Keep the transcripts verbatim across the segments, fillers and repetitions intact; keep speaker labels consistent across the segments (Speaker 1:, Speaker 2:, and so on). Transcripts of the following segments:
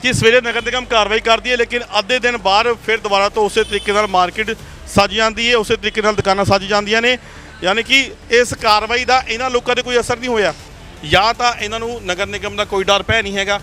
Speaker 1: कि सवेरे नगर निगम कार्रवाई करती है लेकिन अद्धे दिन बाद फिर दोबारा तो उस तरीके नाल मार्केट सज जाती है, उस तरीके नाल दुकानां सज जांदियां ने। यानी कि इस कार्रवाई का इन्हां लोकां ते कोई असर नहीं होया, या तो इन्हां नूं नगर निगम का कोई डर भै नहीं हैगा।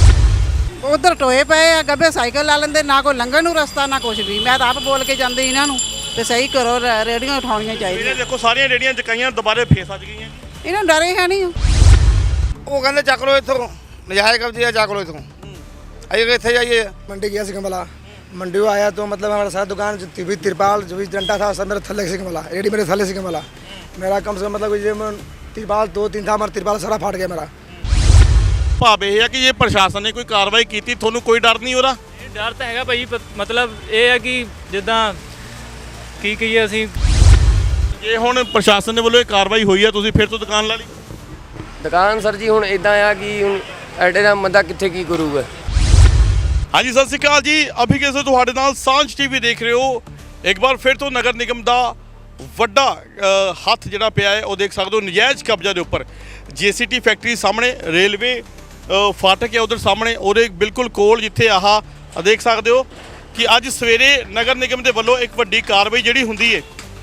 Speaker 2: उधर टोए पे आ, गब्बे साइकिल ला लेंदे, ना कोई लंघण नूं रस्ता ना कुछ भी। मैं तो आप बोल के जांदी इन्हां नूं ते सही करो, रेहड़ियां उठाउणियां चाहिए।
Speaker 1: देखो सारियां रेहड़ियां चकाइयां दोबारा फिर सज गईयां।
Speaker 2: इन्हां डरे है नहीं,
Speaker 3: ਉਹ ਕਹਿੰਦੇ ਚੱਕ ਲਓ ਇੱਥੋਂ ਨਜਾਇਜ਼ ਕਬਜ਼ੇ ਆ, ਚੱਕ ਲਓ ਇੱਥੋਂ। ਅਸੀਂ ਕਿੱਥੇ ਜਾਈਏ?
Speaker 4: मंडी गया से कमला, मंडी में आया तो मतलब हमारा सारा दुकान जो भी तिरपाल जो भी डंडा था सब मेरे थल्ले से कमला, रेडी मेरे थल्ले से कमला। मेरा कम से कम मतलब ये तिरपाल दो तीन था, हमारा तिरपाल सारा फाट गया मेरा।
Speaker 1: भाव यह है कि ये प्रशासन ने कोई कार्रवाई की थी, थोनू कोई डर नहीं हो रहा?
Speaker 5: डर तो है भाई, मतलब ये है कि जिदा की कहिए ਅਸੀਂ
Speaker 1: ਜੇ ਹੁਣ ਪ੍ਰਸ਼ਾਸਨ ਦੇ ਵੱਲੋਂ ਇਹ ਕਾਰਵਾਈ ਹੋਈ ਹੈ ਤੁਸੀਂ ਫਿਰ ਤੋਂ ਦੁਕਾਨ ਲਾ ਲਈ?
Speaker 6: ਦੁਕਾਨ ਸਰ ਜੀ ਹੁਣ ਇਦਾਂ ਆ ਕਿ ਹੁਣ ਐਡੇ ਦਾ ਬੰਦਾ ਕਿੱਥੇ ਕੀ ਕਰੂਗਾ।
Speaker 1: ਹਾਂਜੀ ਸਤਿ ਸ਼੍ਰੀ ਅਕਾਲ ਜੀ, ਅਭੀ ਕਿਸੇ ਤੁਹਾਡੇ ਨਾਲ ਸਾਂਝ ਟੀਵੀ ਦੇਖ ਰਹੇ ਹੋ। ਇੱਕ ਵਾਰ ਫਿਰ ਤੋਂ ਨਗਰ ਨਿਗਮ ਦਾ ਵੱਡਾ ਹੱਥ ਜਿਹੜਾ ਪਿਆ ਹੈ ਉਹ ਦੇਖ ਸਕਦੇ ਹੋ ਨਜਾਇਜ਼ ਕਬਜ਼ਾ ਦੇ ਉੱਪਰ। ਜੀਸੀਟੀ ਫੈਕਟਰੀ ਸਾਹਮਣੇ, ਰੇਲਵੇ ਫਾਟਕ ਹੈ ਉਧਰ ਸਾਹਮਣੇ, ਉਹਦੇ ਬਿਲਕੁਲ ਕੋਲ ਜਿੱਥੇ ਆਹ ਦੇਖ ਸਕਦੇ ਹੋ ਕਿ ਅੱਜ ਸਵੇਰੇ ਨਗਰ ਨਿਗਮ ਦੇ ਵੱਲੋਂ ਇੱਕ ਵੱਡੀ ਕਾਰਵਾਈ ਜਿਹੜੀ ਹੁੰਦੀ ਹੈ।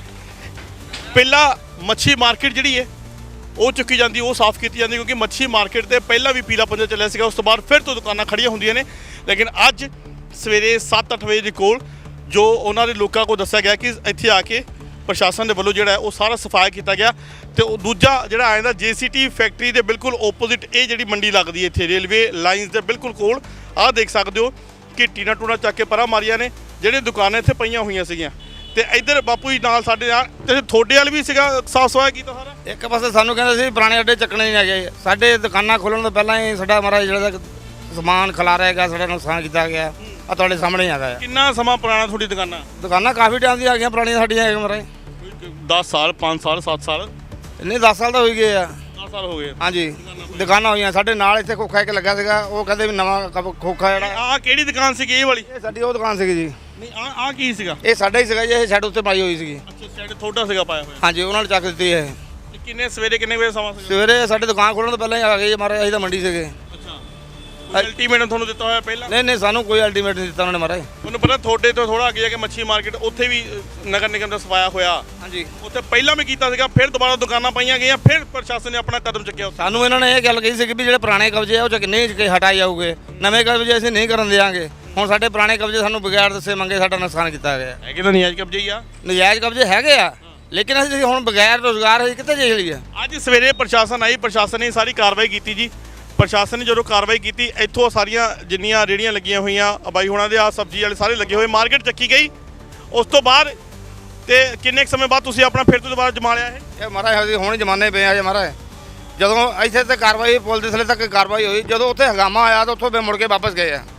Speaker 1: ਪਹਿਲਾਂ ਮੱਛੀ ਮਾਰਕੀਟ ਜਿਹੜੀ ਹੈ ਉਹ ਚੁੱਕੀ ਜਾਂਦੀ, ਉਹ ਸਾਫ਼ ਕੀਤੀ ਜਾਂਦੀ, ਕਿਉਂਕਿ ਮੱਛੀ ਮਾਰਕੀਟ ਤੇ ਪਹਿਲਾਂ ਵੀ ਪੀਲਾ ਪੰਜਾ ਚੱਲਿਆ ਸੀਗਾ। ਉਸ ਤੋਂ ਬਾਅਦ ਫਿਰ ਤੋਂ ਦੁਕਾਨਾਂ ਖੜੀਆਂ ਹੁੰਦੀਆਂ ਨੇ। ਲੇਕਿਨ ਅੱਜ ਸਵੇਰੇ ਸੱਤ ਅੱਠ ਵਜੇ ਦੇ ਕੋਲ ਜੋ ਉਹਨਾਂ ਦੇ ਲੋਕਾਂ ਕੋਲ ਦੱਸਿਆ ਗਿਆ ਕਿ ਇੱਥੇ ਆ ਕੇ ਪ੍ਰਸ਼ਾਸਨ ਦੇ ਵੱਲੋਂ ਜਿਹੜਾ ਹੈ ਉਹ ਸਾਰਾ ਸਫਾਇਆ ਕੀਤਾ ਗਿਆ। ਤੇ ਉਹ ਦੂਜਾ ਜਿਹੜਾ ਆ ਜਾਂਦਾ ਜੀਸੀਟੀ ਫੈਕਟਰੀ ਦੇ ਬਿਲਕੁਲ ਓਪੋਜ਼ਿਟ ਇਹ ਜਿਹੜੀ ਮੰਡੀ ਲੱਗਦੀ ਹੈ ਇੱਥੇ ਰੇਲਵੇ ਲਾਈਨਸ ਦੇ ਬਿਲਕੁਲ ਕੋਲ। ਆਹ ਦੇਖ ਸਕਦੇ ਹੋ ਕਿ ਟੀਨਾ ਟੂਨਾ ਚੱਕ ਕੇ ਪਰਾਂ ਮਾਰੀਆਂ ਨੇ, ਜਿਹੜੀਆਂ ਦੁਕਾਨਾਂ ਇੱਥੇ ਪਈਆਂ ਹੋਈਆਂ ਸੀਗੀਆਂ। ਤੇ ਇੱਧਰ ਬਾਪੂ ਜੀ ਨਾਲ ਸਾਡੇ ਨਾਲ ਤੇ ਤੁਹਾਡੇ ਵਾਲ ਵੀ ਸੀਗਾ ਸਾਫ਼ ਸਫਾਇਆ ਕੀਤਾ ਸਾਰਾ?
Speaker 3: ਇੱਕ ਪਾਸੇ ਸਾਨੂੰ ਕਹਿੰਦੇ ਸੀ ਪੁਰਾਣੇ ਅੱਡੇ ਚੱਕਣੇ ਨਹੀਂ ਹੈਗੇ। ਸਾਡੇ ਦੁਕਾਨਾਂ ਖੋਲ੍ਹਣ ਤੋਂ ਪਹਿਲਾਂ ਹੀ ਸਾਡਾ ਮਹਾਰਾਜ ਜਿਹੜਾ ਸਮਾਨ ਖਿਲਾਰਿਆ ਹੈਗਾ, ਸਾਡਾ ਨੁਕਸਾਨ ਕੀਤਾ ਗਿਆ। ਆ ਤੁਹਾਡੇ ਸਾਹਮਣੇ ਹੈਗਾ ਆ।
Speaker 1: ਕਿੰਨਾ ਸਮਾਂ ਪੁਰਾਣਾ ਤੁਹਾਡੀ ਦੁਕਾਨਾਂ?
Speaker 3: ਦੁਕਾਨਾਂ ਕਾਫੀ ਟਾਈਮ ਦੀਆਂ ਆ ਗਈਆਂ, ਪੁਰਾਣੀਆਂ ਸਾਡੀਆਂ ਹੈਗੀਆਂ ਮਹਾਰਾਜ।
Speaker 1: ਦਸ ਸਾਲ, ਪੰਜ ਸਾਲ, ਸੱਤ ਸਾਲ?
Speaker 3: ਨਹੀਂ ਦਸ ਸਾਲ ਤਾਂ ਹੋ ਗਏ ਆ।
Speaker 1: ਦਸ ਸਾਲ ਹੋ ਗਏ।
Speaker 3: ਹਾਂਜੀ ਦੁਕਾਨਾਂ ਹੋਈਆਂ। ਸਾਡੇ ਨਾਲ ਇੱਥੇ ਖੋਖਾ ਇੱਕ ਲੱਗਾ ਸੀਗਾ, ਉਹ ਕਹਿੰਦੇ ਵੀ ਨਵਾਂ ਕ- ਖੋਖਾ ਜਿਹੜਾ।
Speaker 1: ਆਹ ਕਿਹੜੀ ਦੁਕਾਨ ਸੀਗੀ ਇਹ ਵਾਲੀ?
Speaker 3: ਇਹ ਸਾਡੀ ਉਹ ਦੁਕਾਨ ਸੀਗੀ ਜੀ।
Speaker 1: ਨਹੀਂ ਆ ਆ ਕੀ ਸੀਗਾ?
Speaker 3: ਇਹ ਸਾਡਾ ਹੀ ਸੀਗਾ ਜੀ, ਇਹ ਸ਼ੈਡ ਉੱਤੇ ਪਾਈ ਹੋਈ ਸੀਗੀ।
Speaker 1: ਅੱਛਾ ਸਾਈਡ ਤੁਹਾਡਾ ਸੀਗਾ ਪਾਇਆ ਹੋਇਆ?
Speaker 3: ਹਾਂਜੀ ਉਹਨਾਂ ਨੇ ਚੱਕ ਦਿੱਤੀ ਇਹ।
Speaker 1: ਤੇ ਕਿੰਨੇ ਸਵੇਰੇ ਕਿੰਨੇ ਵਜੇ ਸਮਾਂ ਸੀਗਾ?
Speaker 3: ਸਵੇਰੇ ਸਾਡੇ ਦੁਕਾਨ ਖੋਲ੍ਹਣ ਤੋਂ ਪਹਿਲਾਂ ਹੀ ਆ ਗਏ ਮਹਾਰਾਜ, ਅਸੀਂ ਤਾਂ ਮੰਡੀ ਸੀਗੇ।
Speaker 1: ਅੱਛਾ ਅਲਟੀਮੇਟਮ ਤੁਹਾਨੂੰ ਦਿੱਤਾ ਹੋਇਆ ਪਹਿਲਾਂ?
Speaker 3: ਨਹੀਂ ਨਹੀਂ ਸਾਨੂੰ ਕੋਈ ਅਲਟੀਮੇਟ ਨਹੀਂ ਦਿੱਤਾ ਉਹਨਾਂ ਨੇ ਮਹਾਰਾਜ।
Speaker 1: ਤੁਹਾਨੂੰ ਪਤਾ ਤੁਹਾਡੇ ਤੋਂ ਥੋੜਾ ਅੱਗੇ ਜਾ ਕੇ ਮੱਛੀ ਮਾਰਕੀਟ ਉੱਥੇ ਵੀ ਨਗਰ ਨਿਗਮ ਦਾ ਸਫਾਇਆ ਹੋਇਆ।
Speaker 3: ਹਾਂਜੀ
Speaker 1: ਉੱਥੇ ਪਹਿਲਾਂ ਵੀ ਕੀਤਾ ਸੀਗਾ, ਫਿਰ ਦੁਬਾਰਾ ਦੁਕਾਨਾਂ ਪਾਈਆਂ ਗਈਆਂ, ਫਿਰ ਪ੍ਰਸ਼ਾਸਨ ਨੇ ਆਪਣਾ ਕਦਮ ਚੁੱਕਿਆ ਉੱਥੇ।
Speaker 3: ਸਾਨੂੰ ਇਹਨਾਂ ਨੇ ਇਹ ਗੱਲ ਕਹੀ ਸੀ ਕਿ ਵੀ ਜਿਹੜੇ ਪੁਰਾਣੇ ਕਬਜ਼ੇ ਆ ਉਹ ਚ ਨਹੀਂ ਕਿ ਹਟਾਏ ਜਾਊਗੇ, ਨਵੇਂ ਕਬਜ਼ੇ ਅਸੀਂ ਨਹੀਂ ਕਰਨ ਦੇਵਾਂਗੇ। ਹੁਣ ਸਾਡੇ ਪੁਰਾਣੇ ਕਬਜ਼ੇ ਸਾਨੂੰ ਬਗੈਰ ਦੱਸੇ ਮੰਗੇ ਸਾਡਾ ਨੁਕਸਾਨ ਕੀਤਾ ਗਿਆ।
Speaker 1: ਹੈਗੇ ਤਾਂ ਨਜਾਇਜ਼ ਕਬਜ਼ੇ ਹੀ ਆ।
Speaker 3: ਨਜਾਇਜ਼ ਕਬਜ਼ੇ ਹੈਗੇ ਆ, ਲੇਕਿਨ ਅਸੀਂ ਹੁਣ ਬਗੈਰ ਰੋਜ਼ਗਾਰ ਅਸੀਂ ਕਿੱਥੇ ਜਾਈਏ?
Speaker 1: ਅੱਜ ਸਵੇਰੇ ਪ੍ਰਸ਼ਾਸਨ ਆਈ, ਪ੍ਰਸ਼ਾਸਨ ਨੇ ਸਾਰੀ ਕਾਰਵਾਈ ਕੀਤੀ ਜੀ। ਪ੍ਰਸ਼ਾਸਨ ਨੇ ਜਦੋਂ ਕਾਰਵਾਈ ਕੀਤੀ ਇੱਥੋਂ ਸਾਰੀਆਂ ਜਿੰਨੀਆਂ ਰੇਹੜੀਆਂ ਲੱਗੀਆਂ ਹੋਈਆਂ ਬਾਈ ਹੁਣਾਂ ਦੇ ਆ ਸਬਜ਼ੀ ਵਾਲੇ ਸਾਰੇ ਲੱਗੇ ਹੋਏ, ਮਾਰਕੀਟ ਚੱਕੀ ਗਈ। ਉਸ ਤੋਂ ਬਾਅਦ ਤੇ ਕਿੰਨੇ ਕੁ ਸਮੇਂ ਬਾਅਦ ਤੁਸੀਂ ਆਪਣਾ ਫਿਰ ਤੋਂ ਦੁਬਾਰਾ ਜਮਾ ਲਿਆ ਇਹ?
Speaker 3: ਇਹ ਮਹਾਰਾਜ ਅਸੀਂ ਹੁਣ ਜਮਾਨੇ ਪਏ ਆ ਜੀ ਮਹਾਰਾਜ। ਜਦੋਂ ਇੱਥੇ ਤੇ ਕਾਰਵਾਈ ਪੁਲ ਦੇ ਥੱਲੇ ਤੱਕ ਕਾਰਵਾਈ ਹੋਈ, ਜਦੋਂ ਉੱਥੇ ਹਗਾਮਾ ਆਇਆ ਤਾਂ ਉੱਥੋਂ ਫਿਰ ਮੁੜ ਕੇ ਵਾਪਸ ਗਏ ਆ।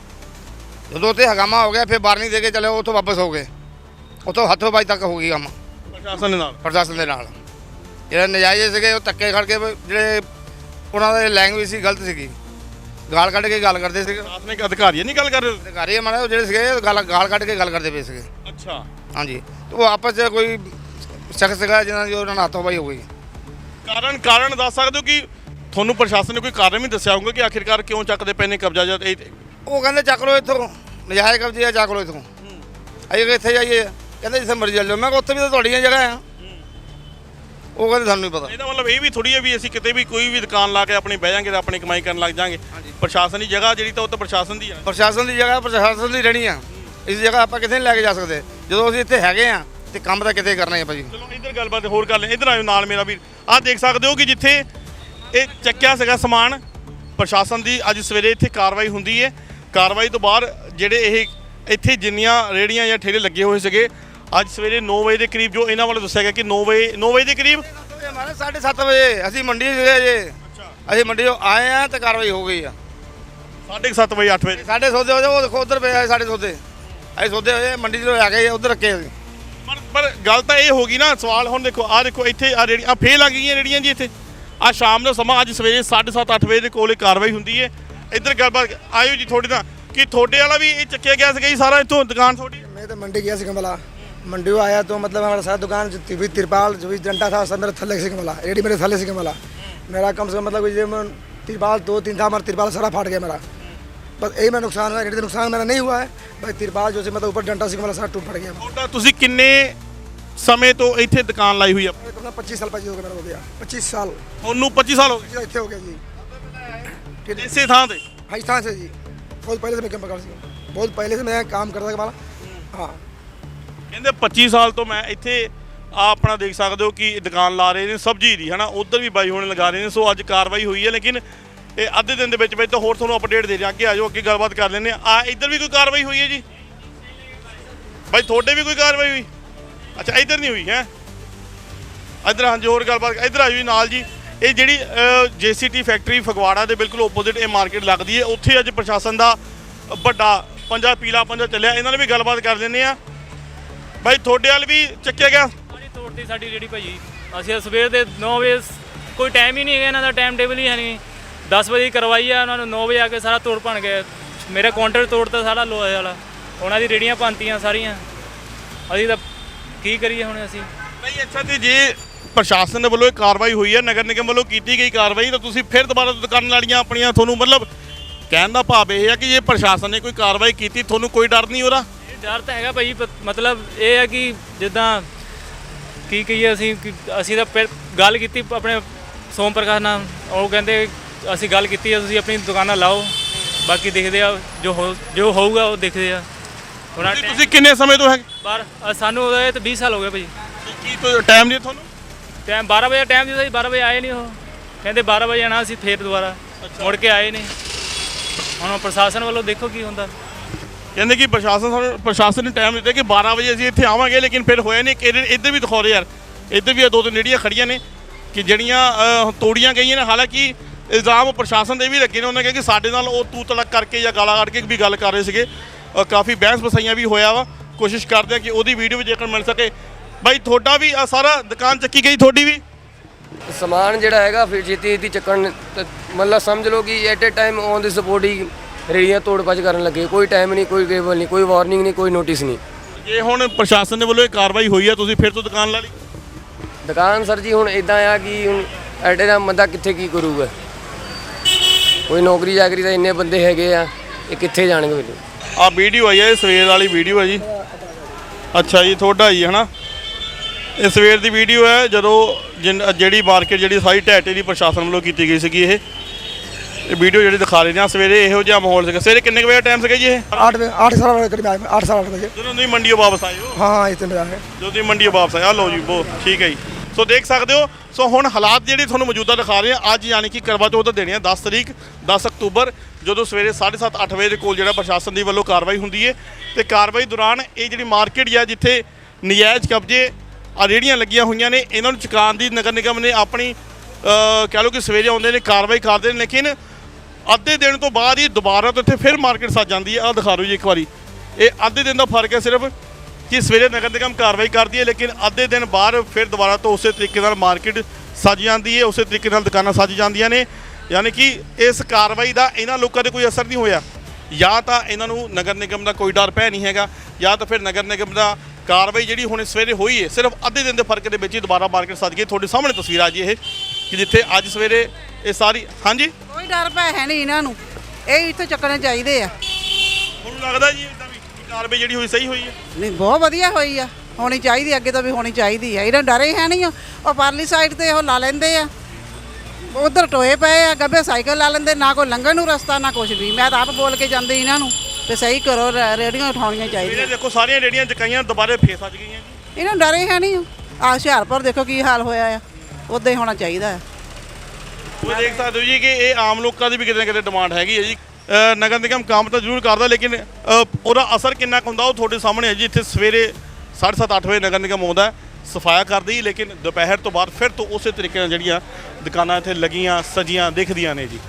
Speaker 3: ਜਦੋਂ ਉੱਥੇ ਹਗਾਮਾ ਹੋ ਗਿਆ ਫਿਰ ਵਾਰਨਿੰਗ ਦੇ ਕੇ ਚਲੇ, ਉੱਥੋਂ ਵਾਪਸ ਹੋ ਗਏ। ਉੱਥੋਂ ਹੱਥੋਂ ਬਾਈ ਤੱਕ ਹੋ ਗਈ ਕੰਮ
Speaker 1: ਪ੍ਰਸ਼ਾਸਨ ਦੇ ਨਾਲ
Speaker 3: ਪ੍ਰਸ਼ਾਸਨ ਦੇ ਨਾਲ। ਜਿਹੜੇ ਨਜਾਇਜ਼ ਸੀਗੇ ਉਹ ਧੱਕੇ ਖੜ ਕੇ ਜਿਹੜੇ ਉਹਨਾਂ ਦੀ ਲੈਂਗੁਏਜ ਸੀ ਗਲਤ ਸੀਗੀ, ਗਾਲ ਕੱਢ ਕੇ ਗੱਲ ਕਰਦੇ ਸੀਗੇ।
Speaker 1: ਪ੍ਰਸ਼ਾਸਨਿਕ ਅਧਿਕਾਰੀ ਨਹੀਂ ਗੱਲ ਕਰ ਰਹੇ?
Speaker 3: ਅਧਿਕਾਰੀ ਮਾਰੇ ਉਹ ਜਿਹੜੇ ਸੀਗੇ ਗਾਲ ਗਾਲ ਕੱਢ ਕੇ ਗੱਲ ਕਰਦੇ ਪਏ ਸੀਗੇ।
Speaker 1: ਅੱਛਾ
Speaker 3: ਹਾਂਜੀ ਉਹ ਆਪਸ 'ਚ ਕੋਈ ਸ਼ਖਸ ਸੀਗਾ ਜਿਹਨਾਂ ਦੀ ਉਹਨਾਂ ਨਾਲ ਹੱਥੋਂ ਬਾਈ ਹੋ ਗਈ।
Speaker 1: ਕਾਰਨ ਕਾਰਨ ਦੱਸ ਸਕਦੇ ਹੋ ਕਿ ਤੁਹਾਨੂੰ ਪ੍ਰਸ਼ਾਸਨ ਨੇ ਕੋਈ ਕਾਰਨ ਵੀ ਦੱਸਿਆ ਹੋਊਗਾ ਕਿ ਆਖਿਰਕਾਰ ਕਿਉਂ ਚੱਕਦੇ ਪਏ ਨੇ ਕਬਜ਼ਾ? ਜਦ ਇਹ
Speaker 3: ਉਹ ਕਹਿੰਦੇ ਚੱਕ ਲਓ ਇੱਥੋਂ ਨਜਾਇਜ਼ ਕਬਜ਼ੇ ਆ, ਚੱਕ ਲਓ ਇੱਥੋਂ। ਅਸੀਂ ਕਿੱਥੇ ਜਾਈਏ? ਕਹਿੰਦੇ ਜਿੱਥੇ ਮਰਜ਼ੀ ਚੱਲ ਜਾਓ। ਮੈਂ ਕਿਹਾ ਉੱਥੇ ਵੀ ਤਾਂ ਤੁਹਾਡੀਆਂ ਜਗ੍ਹਾ ਆ। ਉਹ ਕਹਿੰਦੇ ਸਾਨੂੰ ਨਹੀਂ ਪਤਾ।
Speaker 1: ਇਹਦਾ ਮਤਲਬ ਇਹ ਵੀ ਥੋੜੀ ਹੈ ਵੀ ਅਸੀਂ ਕਿਤੇ ਵੀ ਕੋਈ ਵੀ ਦੁਕਾਨ ਲਾ ਕੇ ਆਪਣੀ ਬਹਿ ਜਾਾਂਗੇ ਤੇ ਆਪਣੀ ਕਮਾਈ ਕਰਨ ਲੱਗ ਜਾਾਂਗੇ। ਪ੍ਰਸ਼ਾਸਨ ਦੀ ਜਗ੍ਹਾ ਜਿਹੜੀ ਤਾਂ ਉਹ ਤਾਂ ਪ੍ਰਸ਼ਾਸਨ ਦੀ ਆ।
Speaker 3: ਪ੍ਰਸ਼ਾਸਨ ਦੀ ਜਗ੍ਹਾ ਪ੍ਰਸ਼ਾਸਨ ਦੀ ਰਹਿਣੀ ਆ। ਇਸ ਜਗ੍ਹਾ ਆਪਾਂ ਕਿਤੇ ਨਹੀਂ ਲੈ ਕੇ ਜਾ ਸਕਦੇ। ਜਦੋਂ ਅਸੀਂ ਇੱਥੇ ਹੈਗੇ ਆ ਤੇ ਕੰਮ ਤਾਂ ਕਿਤੇ ਕਰਨਾ ਹੈ ਭਾਜੀ।
Speaker 1: ਚਲੋ ਇੱਧਰ ਗੱਲਬਾਤ ਹੋਰ ਕਰ ਲੈ। ਇੱਧਰ ਆਇਓ ਨਾਲ ਮੇਰਾ ਵੀਰ। ਆਹ ਦੇਖ ਸਕਦੇ ਹੋ ਕਿ ਜਿੱਥੇ ਇਹ ਚੱਕਿਆ ਸੀਗਾ ਸਮਾਨ, ਪ੍ਰਸ਼ਾਸਨ ਦੀ ਅੱਜ ਸਵੇਰੇ ਇੱਥੇ ਕਾਰਵਾਈ ਹੁੰਦੀ ਹੈ। ਕਾਰਵਾਈ ਤੋਂ ਬਾਅਦ ਜਿਹੜੇ ਇਹ ਇੱਥੇ ਜਿੰਨੀਆਂ ਰੇਹੜੀਆਂ ਜਾਂ ਠੇਲੇ ਲੱਗੇ ਹੋਏ ਸੀਗੇ, ਅੱਜ ਸਵੇਰੇ ਨੌ ਵਜੇ ਦੇ ਕਰੀਬ ਜੋ ਇਹਨਾਂ ਵੱਲੋਂ ਦੱਸਿਆ ਗਿਆ ਕਿ ਨੌ ਵਜੇ ਨੌ ਵਜੇ ਦੇ ਕਰੀਬ
Speaker 3: ਮਾਰੇ ਸਾਢੇ ਸੱਤ ਵਜੇ ਅਸੀਂ ਮੰਡੀ ਸੀਗੇ ਜੇ। ਅਸੀਂ ਮੰਡੀ ਤੋਂ ਆਏ ਆ ਤੇ ਕਾਰਵਾਈ ਹੋ ਗਈ ਆ
Speaker 1: ਸਾਢੇ ਸੱਤ ਵਜੇ ਅੱਠ ਵਜੇ।
Speaker 3: ਸਾਡੇ ਸੌਦੇ ਹੋਏ ਉਹ ਦੇਖੋ ਉੱਧਰ ਪਏ ਸਾਡੇ ਸੌਦੇ। ਅਸੀਂ ਸੌਦੇ ਹੋਏ ਮੰਡੀ ਤੋਂ ਆ ਕੇ ਉੱਧਰ ਰੱਖੇ ਅਸੀਂ।
Speaker 1: ਪਰ ਪਰ ਗੱਲ ਤਾਂ ਇਹ ਹੋ ਗਈ ਨਾ, ਸਵਾਲ ਹੁਣ ਦੇਖੋ ਆਹ ਦੇਖੋ ਇੱਥੇ ਆ ਰੇੜੀਆਂ ਫੇਰ ਲੱਗ ਗਈਆਂ ਰੇੜੀਆਂ ਜੀ ਇੱਥੇ। ਆ ਸ਼ਾਮ ਦਾ ਸਮਾਂ ਅੱਜ ਸਵੇਰੇ ਸਾਢੇ ਸੱਤ ਅੱਠ ਵਜੇ ਦੇ ਕੋਲ ਕਾਰਵਾਈ ਹੁੰਦੀ ਹੈ। ਇੱਧਰ ਗੱਲਬਾਤ ਆਇਓ ਜੀ ਤੁਹਾਡੇ ਨਾਲ कि थोड़े वाला भी चक्या गया से सारा इतों दुकान थोड़ी?
Speaker 4: मैं तो मंडी गया से कमला, मंडी में आया तो मतलब हमारा सारा दुकान जो भी तिरपाल जो भी डंडा था सब मेरे थल्ले से कमला, रेडी मेरे थल्ले से कमला। मेरा कम से कम मतलब ये तिरपाल दो तीन था, हमारा तिरपाल सारा फाट गया मेरा। बस यही मेरा नुकसान हुआ, रेडी का नुकसान मेरा नहीं हुआ है भाई। तिरपाल जो से मतलब ऊपर डंडा से वाला सारा टूट पड़ गया।
Speaker 1: ਤੁਹਾਡਾ ਤੁਸੀਂ ਕਿੰਨੇ ਸਮੇਂ ਤੋਂ ਇੱਥੇ ਦੁਕਾਨ ਲਾਈ ਹੋਈ ਆ?
Speaker 4: अपना पच्चीस साल पच्चीस मेरा हो गया, पच्चीस साल
Speaker 1: ਤੁਹਾਨੂੰ पच्चीस ਸਾਲ ਹੋ ਗਏ
Speaker 4: इतने हो गया जी। ठीक है,
Speaker 1: ਇਸੇ ਥਾਂ ਤੇ?
Speaker 4: राजस्थान से जी, बहुत पहले से मैं काम करता हूँ, बहुत पहले से मैं काम करता था वाला। हाँ
Speaker 1: ਕਹਿੰਦੇ पच्चीस ਸਾਲ ਤੋਂ ਮੈਂ ਇੱਥੇ ਆ ਆਪਣਾ ਦੇਖ ਸਕਦੇ ਹੋ ਕਿ ਦੁਕਾਨ ਲਾ ਰਹੇ ਨੇ ਸਬਜ਼ੀ ਦੀ, ਹਨਾ। ਉਧਰ ਵੀ ਬਾਈ ਹੋਣੇ ਲਗਾ ਰਹੇ ਨੇ। ਸੋ ਅੱਜ ਕਾਰਵਾਈ ਹੋਈ ਹੈ, ਲੇਕਿਨ ਇਹ ਅੱਧੇ ਦਿਨ ਦੇ ਵਿੱਚ ਵਿੱਚ ਤਾਂ ਹੋਰ ਤੁਹਾਨੂੰ ਅਪਡੇਟ ਦੇ ਦਿਆਂ। ਅੱਗੇ ਆ ਜਾਓ, ਅੱਗੇ ਗੱਲਬਾਤ ਕਰ ਲੈਂਦੇ ਆ। ਆ ਇੱਧਰ ਵੀ ਕੋਈ ਕਾਰਵਾਈ ਹੋਈ ਹੈ ਜੀ ਬਾਈ? ਤੁਹਾਡੇ ਵੀ ਕੋਈ ਕਾਰਵਾਈ ਹੋਈ? ਅੱਛਾ, ਇੱਧਰ ਨਹੀਂ ਹੋਈ ਹੈ। ਇੱਧਰ ਹਾਂਜੀ, ਹੋਰ ਗੱਲਬਾਤ ਇੱਧਰ ਆ ਜੀ ਨਾਲ ਜੀ। ਇਹ ਜਿਹੜੀ ਜੇਸੀਟੀ ਫੈਕਟਰੀ ਫਗਵਾੜਾ ਦੇ ਬਿਲਕੁਲ ਓਪੋਜ਼ਿਟ ਇਹ ਮਾਰਕੀਟ ਲੱਗਦੀ ਹੈ। ਉੱਥੇ ਅੱਜ ਪ੍ਰਸ਼ਾਸਨ ਦਾ ਵੱਡਾ ਪੰਜਾ ਪੀਲਾ ਪੰਜਾ ਚੱਲਿਆ। ਇਹਨਾਂ ਨਾਲ ਵੀ ਗੱਲਬਾਤ ਕਰ ਲੈਂਦੇ ਆ। ਬਾਈ ਤੁਹਾਡੇ ਵੱਲ ਵੀ ਚੱਕਿਆ ਗਿਆ?
Speaker 5: ਸਾਡੀ ਤੋੜਤੀ ਸਾਡੀ ਰੇੜੀ ਭਾਜੀ। ਅਸੀਂ ਤਾਂ ਸਵੇਰ ਦੇ ਨੌ ਵਜੇ, ਕੋਈ ਟਾਈਮ ਹੀ ਨਹੀਂ ਹੈਗਾ ਇਹਨਾਂ ਦਾ, ਟਾਈਮ ਟੇਬਲ ਹੀ ਹੈ ਨਹੀਂ। ਦਸ ਵਜੇ ਕਰਵਾਈ ਆ ਉਹਨਾਂ ਨੂੰ, ਨੌ ਵਜੇ ਆ ਕੇ ਸਾਰਾ ਤੋੜ ਭੰਨ ਗਏ। ਮੇਰਾ ਕਾਊਂਟਰ ਤੋੜਤਾ ਸਾਰਾ ਲੋਹੇ ਵਾਲਾ, ਉਹਨਾਂ ਦੀ ਰੇੜੀਆਂ ਭੰਨਤੀਆਂ ਸਾਰੀਆਂ। ਅਸੀਂ ਤਾਂ ਕੀ ਕਰੀਏ ਹੁਣ ਅਸੀਂ?
Speaker 1: ਨਹੀਂ ਅੱਛਾ, ਤੇ ਜੇ ਪ੍ਰਸ਼ਾਸਨ ਦੇ ਵੱਲੋਂ ਇਹ ਕਾਰਵਾਈ ਹੋਈ ਹੈ, ਨਗਰ ਨਿਗਮ ਵੱਲੋਂ ਕੀਤੀ ਗਈ ਕਾਰਵਾਈ, ਤਾਂ ਤੁਸੀਂ ਫਿਰ ਦੁਬਾਰਾ ਦੁਕਾਨਾਂ ਵਾਲੀਆਂ ਆਪਣੀਆਂ, ਤੁਹਾਨੂੰ ਮਤਲਬ ਕਹਿਣ ਦਾ ਭਾਵ ਇਹ ਹੈ ਕਿ ਜੇ ਪ੍ਰਸ਼ਾਸਨ ਨੇ ਕੋਈ ਕਾਰਵਾਈ ਕੀਤੀ ਤੁਹਾਨੂੰ ਕੋਈ ਡਰ ਨਹੀਂ ਹੋ ਰਿਹਾ?
Speaker 5: ਡਰ ਤਾਂ ਹੈਗਾ ਭਾਈ, ਪ- ਮਤਲਬ ਇਹ ਹੈ ਕਿ ਜਿੱਦਾਂ ਕੀ ਕਹੀਏ ਅਸੀਂ ਕਿ ਅਸੀਂ ਤਾਂ ਪਹਿ- ਗੱਲ ਕੀਤੀ ਆਪਣੇ ਸੋਮ ਪ੍ਰਕਾਸ਼ ਨਾਲ। ਉਹ ਕਹਿੰਦੇ ਅਸੀਂ ਗੱਲ ਕੀਤੀ ਹੈ, ਤੁਸੀਂ ਆਪਣੀ ਦੁਕਾਨਾਂ ਲਾਓ, ਬਾਕੀ ਦੇਖਦੇ ਆ ਜੋ ਹੋ ਜੋ ਹੋਊਗਾ ਉਹ ਦੇਖਦੇ ਆ। ਹੁਣ
Speaker 1: ਤੁਸੀਂ- ਤੁਸੀਂ ਕਿੰਨੇ ਸਮੇਂ ਤੋਂ ਹੈ?
Speaker 5: ਬਾਹਰ ਅ, ਸਾਨੂੰ ਉਹਦੇ ਤੇ ਵੀਹ ਸਾਲ ਹੋ ਗਏ ਭਾਈ।
Speaker 1: ਕੀ ਕੋਈ ਟਾਈਮ ਨਹੀਂ ਤੁਹਾਨੂੰ?
Speaker 5: ਟਾਈਮ ਬਾਰਾਂ ਵਜੇ ਟਾਈਮ ਦਿੱਤਾ ਸੀ, ਬਾਰਾਂ ਵਜੇ ਆਏ ਨਹੀਂ ਉਹ। ਕਹਿੰਦੇ ਬਾਰਾਂ ਵਜੇ ਆਣਾ, ਅਸੀਂ ਫੇਰ ਦੁਬਾਰਾ ਮੁੜ ਕੇ ਆਏ ਨਹੀਂ। ਹੁਣ ਪ੍ਰਸ਼ਾਸਨ ਵੱਲੋਂ ਦੇਖੋ ਕੀ ਹੁੰਦਾ।
Speaker 1: ਕਹਿੰਦੇ ਕਿ ਪ੍ਰਸ਼ਾਸਨ ਸਾਨੂੰ ਪ੍ਰਸ਼ਾਸਨ ਨੇ ਟਾਈਮ ਦਿੱਤਾ ਕਿ ਬਾਰਾਂ ਵਜੇ ਅਸੀਂ ਇੱਥੇ ਆਵਾਂਗੇ, ਲੇਕਿਨ ਫਿਰ ਹੋਇਆ ਨਹੀਂ। ਕਿ ਇੱਧਰ ਵੀ ਦਿਖਾ ਰਹੇ ਯਾਰ, ਇੱਧਰ ਵੀ ਇਹ ਦੋ ਤਿੰਨ ਰੇੜੀਆਂ ਖੜੀਆਂ ਨੇ ਕਿ ਜਿਹੜੀਆਂ ਅ, ਤੋੜੀਆਂ ਗਈਆਂ ਨੇ। ਹਾਲਾਂਕਿ ਇਲਜ਼ਾਮ ਪ੍ਰਸ਼ਾਸਨ ਦੇ ਵੀ ਲੱਗੇ ਨੇ। ਉਹਨਾਂ ਕਿਹਾ ਕਿ ਸਾਡੇ ਨਾਲ ਉਹ ਤੂ ਤਲਕ ਕਰਕੇ ਜਾਂ ਗਾਲਾਂ ਕੱਢ ਕੇ ਵੀ ਗੱਲ ਕਰ ਰਹੇ ਸੀਗੇ। ਅ, ਕਾਫੀ ਬਹਿਸ ਬਸਾਈਆਂ ਵੀ ਹੋਇਆ ਵਾ। ਕੋਸ਼ਿਸ਼ ਕਰਦੇ ਆ ਕਿ ਉਹਦੀ ਵੀਡੀਓ ਵੀ ਜੇਕਰ ਮਿਲ ਸਕੇ। ਬਾਈ ਤੁਹਾਡਾ ਵੀ ਆਹ ਸਾਰਾ ਦੁਕਾਨ ਚੱਕੀ ਗਈ? ਤੁਹਾਡੀ ਵੀ?
Speaker 6: ਸਮਾਨ ਜਿਹੜਾ ਹੈਗਾ ਫਿਰ ਛੇਤੀ ਛੇਤੀ ਚੱਕਣ ਤੇ ਮਤਲਬ ਸਮਝ ਲਓ ਕਿ at a time on the support ਹੀ ਰੇੜੀਆਂ ਤੋੜ ਭੱਜ ਕਰਨ ਲੱਗੇ। ਕੋਈ ਟਾਈਮ ਨਹੀਂ, ਕੋਈ ਕੇਬਲ ਨਹੀਂ, ਕੋਈ ਵਾਰਨਿੰਗ ਨਹੀਂ, ਕੋਈ ਨੋਟਿਸ ਨਹੀਂ।
Speaker 1: ਜੇ ਹੁਣ ਪ੍ਰਸ਼ਾਸਨ ਦੇ ਵੱਲੋਂ ਇਹ ਕਾਰਵਾਈ ਹੋਈ ਆ, ਤੁਸੀਂ ਫਿਰ ਤੋਂ ਦੁਕਾਨ ਲਾ ਲਈ?
Speaker 6: ਦੁਕਾਨ ਸਰ ਜੀ ਹੁਣ ਇਦਾਂ ਆ ਕਿ ਹੁਣ ਐਟ ਏ ਟਾਈਮ ਬੰਦਾ ਕਿੱਥੇ ਕੀ ਕਰੂਗਾ? ਕੋਈ ਨੌਕਰੀ ਚਾਕਰੀ ਤਾਂ ਇੰਨੇ ਬੰਦੇ ਹੈਗੇ ਆ, ਇਹ ਕਿੱਥੇ ਜਾਣਗੇ ਮੈਨੂੰ?
Speaker 1: ਆ ਵੀਡੀਓ ਆਈ ਹੈ, ਇਹ ਸਵੇਰ ਵਾਲੀ ਵੀਡੀਓ ਹੈ ਜੀ। ਅੱਛਾ ਜੀ, ਤੁਹਾਡਾ ਜੀ ਹਨਾ। ਇਹ ਸਵੇਰ ਦੀ ਵੀਡੀਓ ਹੈ ਜਦੋਂ ਜਿਨ- ਜਿਹੜੀ ਮਾਰਕੀਟ ਜਿਹੜੀ ਸਾਰੀ ਢਹਿ ਦੀ ਪ੍ਰਸ਼ਾਸਨ ਵੱਲੋਂ ਕੀਤੀ ਗਈ ਸੀਗੀ। ਇਹ ਇਹ ਵੀਡੀਓ ਜਿਹੜੀ ਦਿਖਾ ਰਹੇ ਨੇ। ਸਵੇਰੇ ਇਹੋ ਜਿਹਾ ਮਾਹੌਲ ਸੀਗਾ। ਸਵੇਰੇ ਕਿੰਨੇ ਕੁ ਵਜੇ ਟਾਈਮ ਸੀਗਾ ਜੀ ਇਹ?
Speaker 4: आठ बजे आठ साल करीब आए, आठ साल आठ बजे।
Speaker 1: ਜਦੋਂ ਤੁਸੀਂ ਮੰਡੀੋਂ ਵਾਪਸ ਆਏ ਹੋ?
Speaker 4: हाँ हाँ, इतने बजे आए।
Speaker 1: ਜਦੋਂ ਤੁਸੀਂ ਮੰਡੀੋਂ ਵਾਪਸ ਆਏ, ਆ ਲਓ ਜੀ ਬੋ ਠੀਕ ਹੈ ਜੀ। ਸੋ ਦੇਖ ਸਕਦੇ ਹੋ। ਸੋ ਹੁਣ ਹਾਲਾਤ ਜਿਹੜੇ ਤੁਹਾਨੂੰ ਮੌਜੂਦਾ ਦਿਖਾ ਰਹੇ ਆ, ਅੱਜ ਯਾਨੀ ਕਿ ਕਰਵਾ ਚੌਥ ਦੇਣੀ ਆ ਦਸ ਤਰੀਕ ਦਸ ਅਕਤੂਬਰ, ਜਦੋਂ ਸਵੇਰੇ ਸਾਢੇ ਸੱਤ ਅੱਠ ਵਜੇ ਦੇ ਕੋਲ ਜਿਹੜਾ ਪ੍ਰਸ਼ਾਸਨ ਦੀ ਵੱਲੋਂ ਕਾਰਵਾਈ ਹੁੰਦੀ ਹੈ। ਤੇ ਕਾਰਵਾਈ ਦੌਰਾਨ ਇਹ ਜਿਹੜੀ ਮਾਰਕੀਟ ਆ ਜਿੱਥੇ ਨਜਾਇਜ਼ ਕਬਜ਼ੇ ਆ ਰੇਹੜੀਆਂ ਲੱਗੀਆਂ ਹੋਈਆਂ ਨੇ, ਇਹਨਾਂ ਨੂੰ ਚੁਕਾਉਣ ਦੀ ਨਗਰ ਨਿਗਮ ਨੇ ਆਪਣੀ ਅ, ਕਹਿ ਲਓ ਕਿ ਸਵੇਰੇ ਆਉਂਦੇ ਨੇ, ਕਾਰਵਾਈ ਕਰਦੇ ਨੇ, ਲੇਕਿਨ ਅੱਧੇ ਦਿਨ ਤੋਂ ਬਾਅਦ ਹੀ ਦੁਬਾਰਾ ਤੋਂ ਇੱਥੇ ਫਿਰ ਮਾਰਕੀਟ ਸੱਜ ਜਾਂਦੀ ਹੈ। ਆਹ ਦਿਖਾ ਦਿਓ ਜੀ ਇੱਕ ਵਾਰੀ। ਇਹ ਅੱਧੇ ਦਿਨ ਦਾ ਫਰਕ ਹੈ ਸਿਰਫ ਕਿ ਸਵੇਰੇ ਨਗਰ ਨਿਗਮ ਕਾਰਵਾਈ ਕਰਦੀ ਹੈ, ਲੇਕਿਨ ਅੱਧੇ ਦਿਨ ਬਾਅਦ ਫਿਰ ਦੁਬਾਰਾ ਤੋਂ ਉਸੇ ਤਰੀਕੇ ਨਾਲ ਮਾਰਕੀਟ ਸੱਜ ਜਾਂਦੀ ਹੈ, ਉਸੇ ਤਰੀਕੇ ਨਾਲ ਦੁਕਾਨਾਂ ਸੱਜ ਜਾਂਦੀਆਂ ਨੇ। ਯਾਨੀ ਕਿ ਇਸ ਕਾਰਵਾਈ ਦਾ ਇਹਨਾਂ ਲੋਕਾਂ 'ਤੇ ਕੋਈ ਅਸਰ ਨਹੀਂ ਹੋਇਆ। ਜਾਂ ਤਾਂ ਇਹਨਾਂ ਨੂੰ ਨਗਰ ਨਿਗਮ ਦਾ ਕੋਈ ਡਰ ਭੈ ਨਹੀਂ ਹੈਗਾ, ਜਾਂ ਤਾਂ ਫਿਰ ਨਗਰ ਨਿਗਮ ਦਾ ਕਾਰਵਾਈ ਜਿਹੜੀ ਹੁਣ ਸਵੇਰੇ ਹੋਈ ਹੈ ਸਿਰਫ ਅੱਧੇ ਦਿਨ ਦੇ ਫਰਕ ਦੇ ਵਿੱਚ ਹੀ ਦੁਬਾਰਾ ਮਾਰਕੀਟ ਸੱਜ ਗਈ। ਤੁਹਾਡੇ ਸਾਹਮਣੇ ਤਸਵੀਰ ਆ ਜੀ ਇਹ ਕਿ ਜਿੱਥੇ ਅੱਜ ਸਵੇਰੇ ਇਹ ਸਾਰੀ ਹਾਂਜੀ
Speaker 2: ਕੋਈ ਡਰ ਭੈ ਹੈ ਨਹੀਂ ਇਹਨਾਂ ਨੂੰ, ਇਹ ਇੱਥੇ ਚੱਕਣੇ ਚਾਹੀਦੇ ਆ।
Speaker 1: ਤੁਹਾਨੂੰ ਲੱਗਦਾ ਜੀ ਇਦਾਂ ਵੀ ਕਿ ਕਾਰਵਾਈ ਜਿਹੜੀ ਹੋਈ ਸਹੀ ਹੋਈ ਹੈ?
Speaker 2: ਨਹੀਂ, ਬਹੁਤ ਵਧੀਆ ਹੋਈ ਆ, ਹੋਣੀ ਚਾਹੀਦੀ, ਅੱਗੇ ਤੋਂ ਵੀ ਹੋਣੀ ਚਾਹੀਦੀ ਆ। ਇਹਨਾਂ ਡਰੇ ਹੈ ਨਹੀਂ। ਉਹ ਪਰਲੀ ਸਾਈਡ ਤੇ ਉਹ ਲਾ ਲੈਂਦੇ ਆ, ਉਧਰ ਟੋਏ ਪਏ ਆ, ਗੱਬੇ ਸਾਈਕਲ ਲਾ ਲੈਂਦੇ, ਨਾ ਕੋਈ ਲੰਘਣ ਨੂੰ ਰਸਤਾ ਨਾ ਕੁਝ ਵੀ। ਮੈਂ ਤਾਂ ਆਪ ਬੋਲ ਕੇ ਜਾਂਦੀ ਇਹਨਾਂ ਨੂੰ ਤੇ ਸਹੀ ਕਰੋ, ਰ- ਰੇਹੜੀਆਂ ਉਠਾਉਣੀਆਂ
Speaker 1: ਇਹ
Speaker 2: ਚਾਹੀਦੀਆਂ।
Speaker 1: ਦੇਖੋ ਸਾਰੀਆਂ ਰੇੜੀਆਂ ਚਕਾਈਆਂ ਦੁਬਾਰੇ ਫੇਰ ਸੱਜ ਗਈਆਂ ਜੀ।
Speaker 2: ਇਹਨਾਂ ਨੂੰ ਡਰੇ ਹੈ ਨਹੀਂ। ਆ ਹੁਸ਼ਿਆਰਪੁਰ ਦੇਖੋ ਕੀ ਹਾਲ ਹੋਇਆ ਆ, ਉੱਦਾਂ ਹੀ ਹੋਣਾ ਚਾਹੀਦਾ ਆ।
Speaker 1: ਉਹ ਦੇਖ ਸਕਦੇ ਹੋ ਜੀ ਕਿ ਇਹ ਆਮ ਲੋਕਾਂ ਦੀ ਵੀ ਕਿਤੇ ਨਾ ਕਿਤੇ ਡਿਮਾਂਡ ਹੈਗੀ ਹੈ ਜੀ। ਅ, ਨਗਰ ਨਿਗਮ ਕੰਮ ਤਾਂ ਜ਼ਰੂਰ ਕਰਦਾ, ਲੇਕਿਨ ਅ, ਉਹਦਾ ਅਸਰ ਕਿੰਨਾ ਕੁ ਹੁੰਦਾ ਉਹ ਤੁਹਾਡੇ ਸਾਹਮਣੇ ਹੈ ਜੀ। ਇੱਥੇ ਸਵੇਰੇ ਸਾਢੇ ਸੱਤ ਅੱਠ ਵਜੇ ਨਗਰ ਨਿਗਮ ਆਉਂਦਾ, ਸਫਾਇਆ ਕਰਦੀ, ਲੇਕਿਨ ਦੁਪਹਿਰ ਤੋਂ ਬਾਅਦ ਫਿਰ ਤੋਂ ਉਸੇ ਤਰੀਕੇ ਨਾਲ ਜਿਹੜੀਆਂ ਦੁਕਾਨਾਂ ਇੱਥੇ ਲੱਗੀਆਂ ਸਜੀਆਂ ਦਿਖਦੀਆਂ ਨੇ ਜੀ।